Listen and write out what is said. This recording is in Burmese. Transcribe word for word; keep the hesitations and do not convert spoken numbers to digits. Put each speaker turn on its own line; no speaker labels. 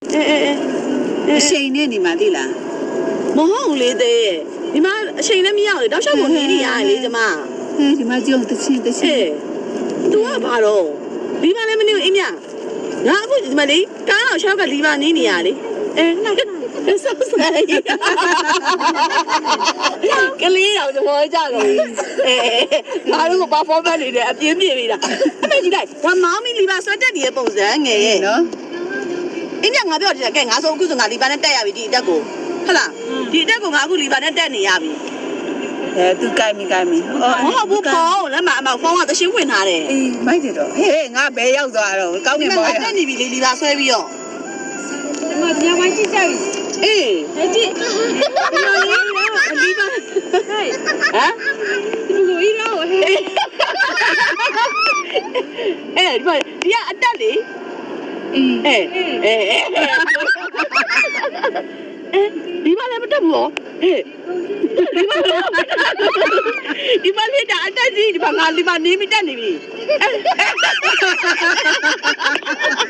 အေးအေးအေး
အချိန်နဲ့နေမှသိလား
မဟုတ်လေတဲ့ဒီမှာအချိန်လည်းမရလေတောက်လျှောက်ကိုနေနေရတယ်လေကျမ
ဟဲ့ဒီမှာကြုံတချင်းတချင်း
အေး तू ကဘာတော့ဒီမှာလည်းမနေဘူးအင်းမြငါအခုဒီမှာလေကားတော့ရှောက်ကလီပါနေနေရလေအဲနောက်ကဆောက်ဆိုင်ကလေးတော့သဘောကျတော့အဲငါတို့က performance နေတယ်အပြင်းပြင်းနေတာအမေကြီးလိုက်ဒါမောင်မီလီပါဆွတ်တက်နေတဲ့ပုံစံငယ်ရဲ့
နော်
အင်းမြငါပြောတယ်ကဲငါဆိုအခုဆိုငါလီပါနဲ့တက်ရပြီဒီအတက်ကိုဟုတ်လားဒီအတက်ကိုငါအခုလီပါနဲ့တက်နေရပြီ
အဲသူကြိုက်မိကြိုက်မိ
မဟုတ်ဘူးဖုန်းလက်မအမောင်ဖုန်းကသရှင်းဝင်ထားတယ်
အေးမိုက်တယ်တော့ဟဲ့ငါဘယ်ရောက်သွားတော့ကောင်းနေပါရဲ့
တက်နေပြီလေလီပါဆွဲပြီးတော့
ဒီမှာညပိုင်းကြည့်ကြပြီ
အေး
အဲ့ဒီ
ဒီလိုလေးတော့အလီပါ
ဟဲ့
ဟမ်
ဒီလိုကြီးတော့ဟဲ့
အဲ့ဒီမှာဒီကအတက်လေ
အေး
အေးအေးဒီမှာလည်းမတက်ဘူးဟဲ့ဒီမှာလေဒါအတက်ကြီးဒီမှာငါဒီမှာနေမတက်နေပြီ